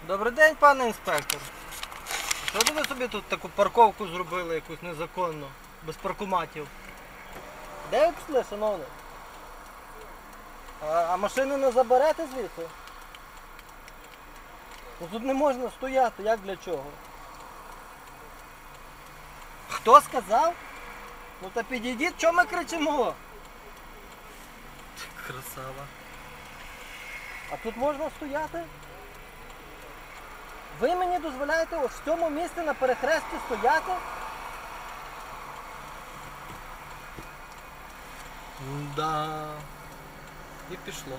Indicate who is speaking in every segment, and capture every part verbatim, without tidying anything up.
Speaker 1: Добрий день, пане інспектор. Що це ви собі тут таку парковку зробили, якусь незаконну, без паркоматів? Де ви пішли, шановний? А, а машини не заберете звідси? Ну тут не можна стояти, як для чого? Хто сказав? Ну та підійдіть, чого ми кричимо? Красава. А тут можна стояти? Ви мені дозволяєте ось в цьому місці на перехресті стояти? Да. І пішло.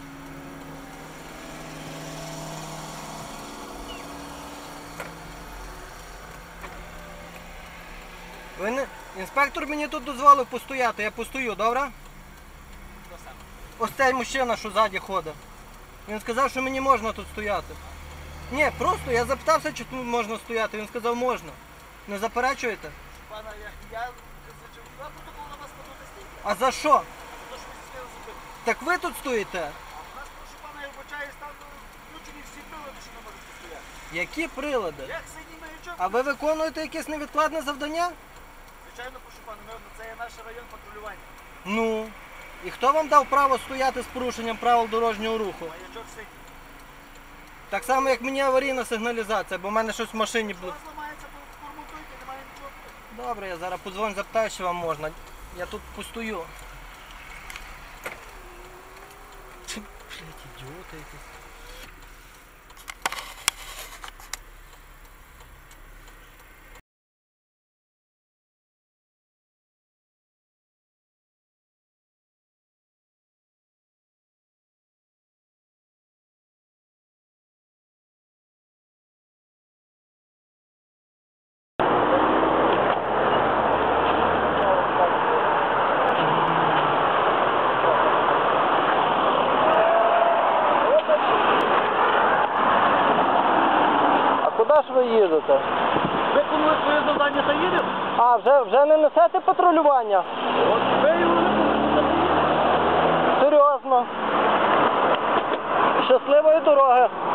Speaker 1: Ви не... Інспектор мені тут дозволив постояти, я постою, добре? Ось цей мужчина, що ззаді ходить. Він сказав, що мені можна тут стояти. Ні, просто я запитався, чи тут можна стояти. Він сказав, можна. Не заперечуєте?
Speaker 2: Пана, я, я зачем протокол на вас складу не стійте.
Speaker 1: А за що?
Speaker 2: За те, що ви здійснили зупинку.
Speaker 1: Так ви тут стоїте?
Speaker 2: У нас, прошу пана, я вбачаю, стан включені всі прилади, що не можете стояти.
Speaker 1: Які прилади?
Speaker 2: Як синій маячок?
Speaker 1: А ви виконуєте якесь невідкладне завдання?
Speaker 2: Звичайно, прошу пана, ми, це є наш район патрулювання.
Speaker 1: Ну. І хто вам дав право стояти з порушенням правил дорожнього руху?
Speaker 2: Маячок синій.
Speaker 1: Так само, як мені аварійна сигналізація, бо в мене щось в машині
Speaker 2: Якщо у
Speaker 1: було.
Speaker 2: вас ламається, то форматуйте, немає нічого.
Speaker 1: Добре, я зараз подзвоню, запитаю, чи вам можна. Я тут постою. Блять, ідіоти якісь. Куди ж ви їдете?
Speaker 2: Виконує своє завдання та їдемо.
Speaker 1: А, вже, вже не несете патрулювання?
Speaker 2: От ви його не
Speaker 1: Серйозно. Щасливої дороги.